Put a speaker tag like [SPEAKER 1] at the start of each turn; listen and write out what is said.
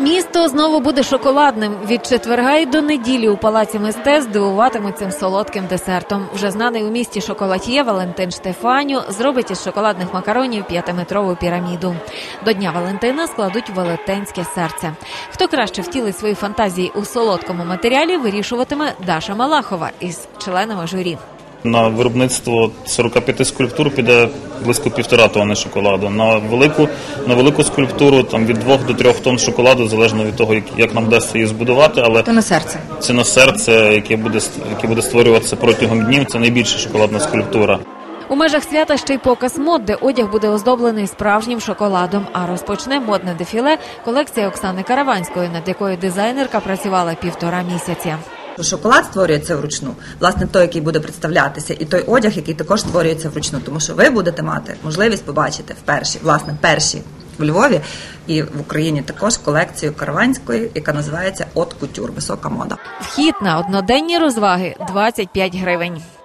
[SPEAKER 1] Місто знову буде шоколадним. Від четверга й до неділі у Палаці мистецтв дивуватимуть цим солодким десертом. Вже знаний у місті шоколад'є Валентин Штефаню зробить із шоколадних макаронів 5-метрову піраміду. До Дня Валентина складуть велетенське серце. Хто краще втілить свої фантазії у солодкому матеріалі, вирішуватиме Даша Малахова із членами журі.
[SPEAKER 2] На виробництво 45 скульптур піде близько 1,5 тонни шоколаду. На велику скульптуру від 2 до 3 тонн шоколаду, залежно від того, як нам вдасться її збудувати. Але
[SPEAKER 3] це на серце.
[SPEAKER 2] Це на серце, яке буде створюватися протягом днів. Це найбільша шоколадна скульптура.
[SPEAKER 1] У межах свята ще й показ мод, де одяг буде оздоблений справжнім шоколадом. А розпочне модне дефіле колекція Оксани Караванської, над якою дизайнерка працювала 1,5 місяця.
[SPEAKER 3] Шоколад створюється вручну, власне, той, який буде представлятися, і той одяг, який також створюється вручну. Тому що ви будете мати можливість побачити перші в Львові і в Україні також колекцію Караванської, яка називається «От кутюр» – висока мода.
[SPEAKER 1] Вхід на одноденні розваги – 25 гривень.